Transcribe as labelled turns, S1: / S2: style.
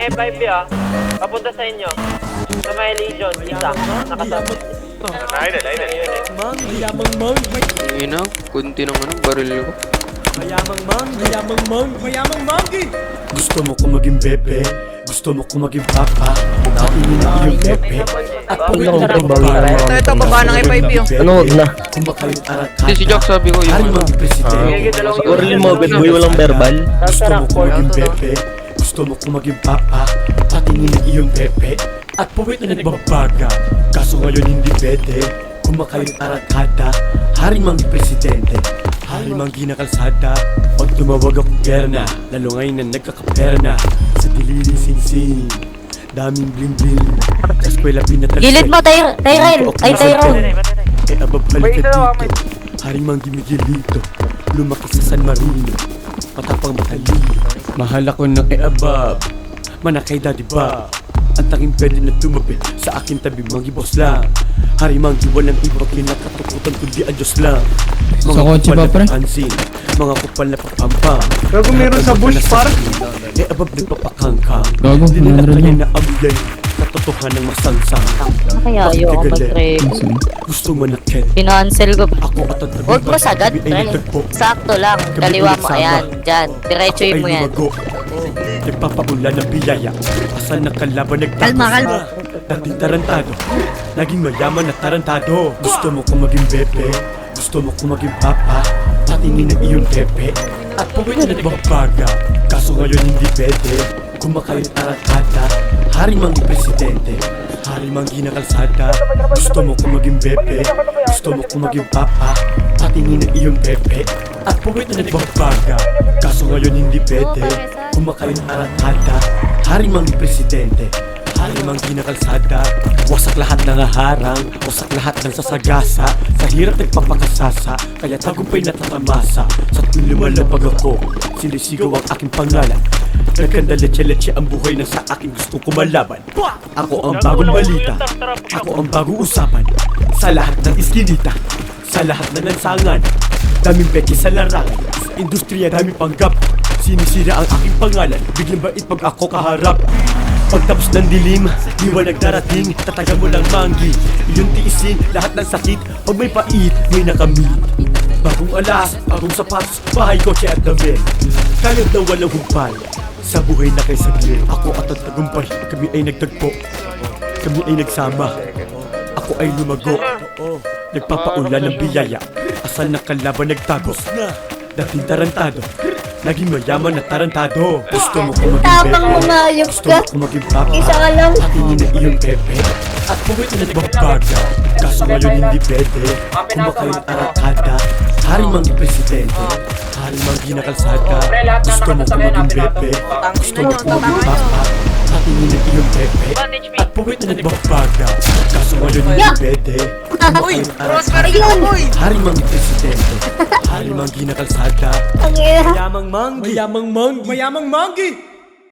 S1: May F5 papunta sa inyo. Sa may Legion, isa. Nakasabot.
S2: Mayamang mang.
S3: Ina, kunti ng baril ko.
S2: Mayamang mangi.
S4: Gusto mo ko maging bebe, gusto mo ko maging papa. Natingin na iyong bebe at pawit na nagbabara.
S5: Ito, baba ng F5 yung.
S4: Ano, wag na? Kumakain arat-hata.
S3: Si Jack sabi ko
S4: Hari
S3: yung
S4: mga presidente.
S6: Siguro yung mga bad boy walang verbal.
S4: Gusto mo ko maging bebe, gusto mo ko maging papa. Patingin na iyong bebe at pawit na nagbabaga. Kaso ngayon hindi pwede. Kumakain arat-hata. Hari mga presidente. Hari mang ginakalsada. Pag tumawag ako perna, lalo ngayon na nagkakapera na. Sa dilili sing-sing, daming bling-bling. Sa eskwela pinatalsik.
S7: Gilid mo, Tyrell! Ay, Tyrone!
S4: Eh ababalik ka dito. Hari mang gimigilito. Lumaki sa San Marino. Matapang matalino. Mahal ako ng abab. Manakay daddy ba? Ang tanging pwede na tumabi sa akin tabi mga boss lang. Hari mang di walang iba kinakatukutan kundi ang Diyos lang. Mga
S8: kotse
S4: kupal
S8: ba,
S4: na
S8: pre?
S4: papansin, mga kupal na papampam.
S2: Gago, meron sa bush park.
S4: Eh abab nagpapakangkang.
S8: Gago,
S4: Di nila
S8: 100
S4: kaya
S8: lang.
S4: na amyay. Katotohanan magsangsang.
S7: Kaya ayoko mag-trade.
S4: Gusto manakit.
S7: Pinansel ko.
S4: Ako at ang tabi
S7: Huwag mo sagad,
S4: ay
S7: Trell.
S4: nagtagpo.
S7: Sakto lang. Kaliwa mo. Ayan, dyan. Diretsuin mo yan.
S4: Nagpapaulan ng biyaya. Asal ng kalaban nagtapos.
S7: Kalma.
S4: Dating tarantado, naging mayaman na tarantado. Gusto mo ko maging bebe, gusto mo ko maging papa. Patingin na iyong bebe at pawit na nagbabaga. Kaso ngayon hindi pwede. Kumakain arat-hata. Hari mang presidente, hari mang ginakalsada. Gusto mo ko maging bebe, gusto mo ko maging papa. Patingin na iyong bebe at pawit na nagbabaga. Kaso ngayon hindi pwede. Kumakain arat-hata. Hari mang presidente, hari mang ginakalsada. Wasak lahat ng harang, wasak lahat ng sasagasa. Sa hirap nagpapakasasa, kaya tagumpay natatamasa. Sa tuwing lumalabag ako, sinisigaw ang aking pangalan. Nagkanda leche-leche ang buhay na sa akin gustong kumalaban. Ako ang bagong balita, ako ang bagong usapan. Sa lahat ng iskinita, sa lahat ng lansangan. Daming peke sa larangan, sa industriya daming panggap. Sinisira ang aking pangalan, biglang bait pag ako kaharap. Pagtapos ng dilim, liwanag darating, tatagan mo lang manggi. Iyong tiisin, lahat ng sakit, pag may pait, may nakamit. Bagong alas, bagong sapatos, bahay, kotse at damit. Kayod na walang humpay, sa buhay na kay saglit. Ako at ang tagumpay, kami ay nagtagpo, kami ay nagsama. Ako ay lumago, nagpapaulan ng biyaya. Asal ng kalaban nagtagos, dating tarantado, naging mayaman na tarantado. Gusto mo ko maging
S7: Tapang
S4: bebe,
S7: umayos
S4: gusto
S7: ka.
S4: mo ko maging papa.
S7: Isa ka lang.
S4: Patingin na iyong bebe at pawit na nagbabaga. Kaso ngayon hindi pwede. Kumakain arat-hata. Hari mang presidente, hari mang ginakalsada. Gusto mo ko maging bebe, gusto mo ko maging papa. Patingin na iyong bebe at pawit na nagbabaga. Kaso ngayon hindi pwede. Kumakain arat-hata. Hari mang presidente, hari mang ginakalsada.
S7: Ang ina.
S2: Mayamang mangi.